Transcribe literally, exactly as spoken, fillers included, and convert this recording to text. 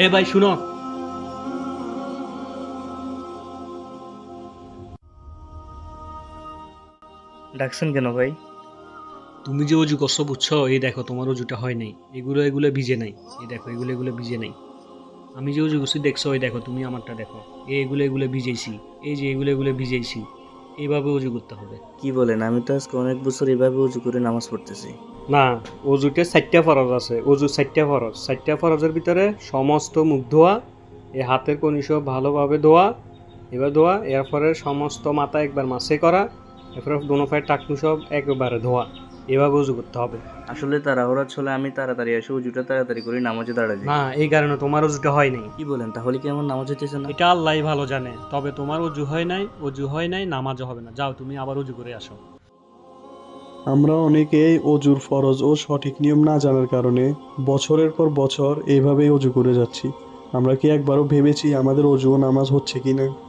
ভাই শুনো, ডাকছেন কেন ভাই? তুমি যে অজু করছো বুঝছো, এই দেখো তোমার অজুটা হয় নাই, এগুলো এগুলো ভিজে নাই, এই দেখো এগুলো এগুলো ভিজে নাই। আমি যে অজু করছি দেখছো, ওই দেখো তুমি আমারটা দেখো, এই এগুলো এগুলো ভিজেছি, এই যে এগুলো এগুলো ভিজেছি। এইভাবে অজু করতে হবে। কি বলেন? আমি তো আজকে অনেক বছর এভাবে উজু করে নামাজ পড়তেছি। না, অজুতে চারটা ফরজ আছে, অজু চারটা ফরজ, চারটা ফরজের ভিতরে সমস্ত মুখ ধোয়া, এই হাতের কনি সব ভালোভাবে ধোয়া, এবার ধোয়া, এরপরে সমস্ত মাথা একবার মাসে করা, এরপরে দোনো পায়ের টাকনু সব একবারে ধোয়া। এভাবে উজু করতে হবে। আসলে তাড়াহুড়া চলে, আমি তাড়াতাড়ি এসে উজুটা তাড়াতাড়ি করে নামাজে দাঁড়া যাই। না, এই কারণে তোমার অজুটা হয় নাই। কি বলেন? তাহলে কি আমার নামাজ হইতেছে না? এটা আল্লাহই ভালো জানে, তবে তোমার অজু হয় নাই, অজু হয় নাই, নামাজও হবে না। যাও তুমি আবার অজু করে আসো। আমরা অনেকেই অজুর ফরজ ও সঠিক নিয়ম না জানার কারণে বছরের পর বছর এইভাবেই অজু করে যাচ্ছি। আমরা কি একবারও ভেবেছি আমাদের অজু ও নামাজ হচ্ছে কিনা?